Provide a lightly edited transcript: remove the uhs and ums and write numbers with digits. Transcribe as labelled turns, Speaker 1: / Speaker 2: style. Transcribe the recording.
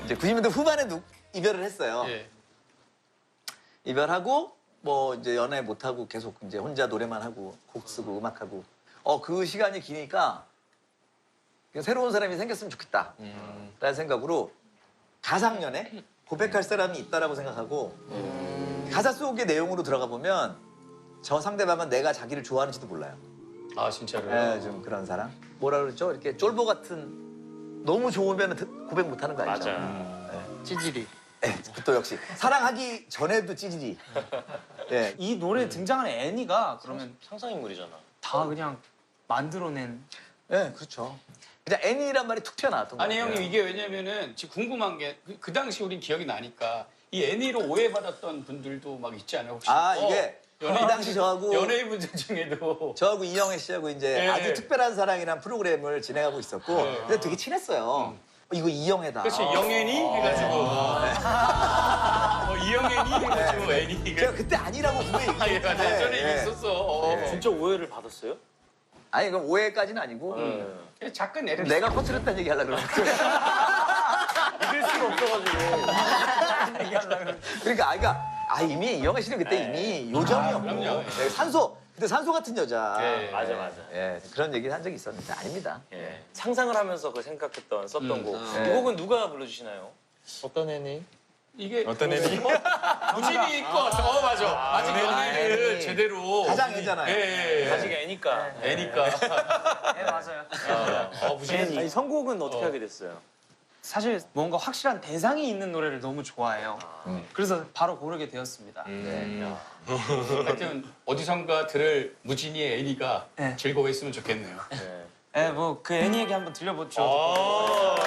Speaker 1: 이제 90년대 후반에 이별을 했어요.
Speaker 2: 예.
Speaker 1: 이별하고 뭐 이제 연애 못 하고 계속 이제 혼자 노래만 하고 곡 쓰고 음악하고 그 시간이 기니까 그냥 새로운 사람이 생겼으면 좋겠다 라는 생각으로 가상연애 고백할 사람이 있다라고 생각하고 가사 속의 내용으로 들어가 보면 저 상대방은 내가 자기를 좋아하는지도 몰라요.
Speaker 2: 아 진짜로요?
Speaker 1: 네, 좀 그런 사람. 뭐라 그러죠? 이렇게 쫄보 같은 너무 좋으면 고백 못 하는 거 알죠?
Speaker 3: 맞아.
Speaker 4: 찌질이.
Speaker 1: 네, 또 역시 사랑하기 전에도 찌질이. 네.
Speaker 4: 이 노래에 등장하는 애니가 그러면
Speaker 3: 상상인물이잖아.
Speaker 4: 다 그냥 만들어낸.
Speaker 1: 네, 그렇죠. 그냥 애니란 말이 툭 튀어나왔던 거예요.
Speaker 2: 아니 형님 이게 왜냐면은 지금 궁금한 게 그 당시 우린 기억이 나니까 이 애니로 오해받았던 분들도 막 있지 않아요 혹시?
Speaker 1: 이게 그 당시
Speaker 2: 연예인분들 중에도
Speaker 1: 저하고 이영애 씨하고 이제
Speaker 2: 예.
Speaker 1: 아주 특별한 사랑이라는 프로그램을 진행하고 있었고 근데 되게 친했어요. 이거 이영애다.
Speaker 2: 그렇지 영애니 해가지고 이영애니 해가지고 애니가
Speaker 1: 제가 그때 아니라고 분명히
Speaker 2: 아, 예,
Speaker 1: 얘기했는데
Speaker 2: 예전에
Speaker 1: 예.
Speaker 2: 있었어.
Speaker 1: 예.
Speaker 3: 진짜 오해를 받았어요?
Speaker 1: 아니 그건 오해까지는 아니고
Speaker 2: 작은 애를
Speaker 1: 내가 퍼뜨렸다는 얘기 하려고 그러는데
Speaker 3: 믿을 수가 없어가지고.
Speaker 1: 그러니까 이미 이영애 씨는 그때 이미 요정이었고
Speaker 2: 그럼요.
Speaker 1: 네, 그때 산소 같은 여자
Speaker 2: 예.
Speaker 3: 맞아, 맞아.
Speaker 1: 예, 그런 얘기를 한 적이 있었는데 아닙니다.
Speaker 3: 예. 상상을 하면서 그 생각했던 썼던 곡.
Speaker 1: 네.
Speaker 3: 이 곡은 누가 불러주시나요?
Speaker 5: 어떤 애니?
Speaker 2: 이게
Speaker 5: 어떤 애니?
Speaker 2: 무진이 거 맞아. 아직 연애를
Speaker 1: 애니.
Speaker 2: 제대로
Speaker 1: 가장 애잖아요.
Speaker 2: 예.
Speaker 3: 아직 애니까.
Speaker 2: 애니까.
Speaker 4: 네 맞아요.
Speaker 2: 무진이
Speaker 3: 아니, 선곡은 어떻게 하게 됐어요?
Speaker 4: 사실 뭔가 확실한 대상이 있는 노래를 너무 좋아해요. 그래서 바로 고르게 되었습니다.
Speaker 2: 하여튼 어디선가 들을 무진이의 애니가
Speaker 4: 네.
Speaker 2: 즐거워했으면 좋겠네요.
Speaker 3: 네.
Speaker 4: 네, 뭐 그 애니 얘기 한번 들려보죠.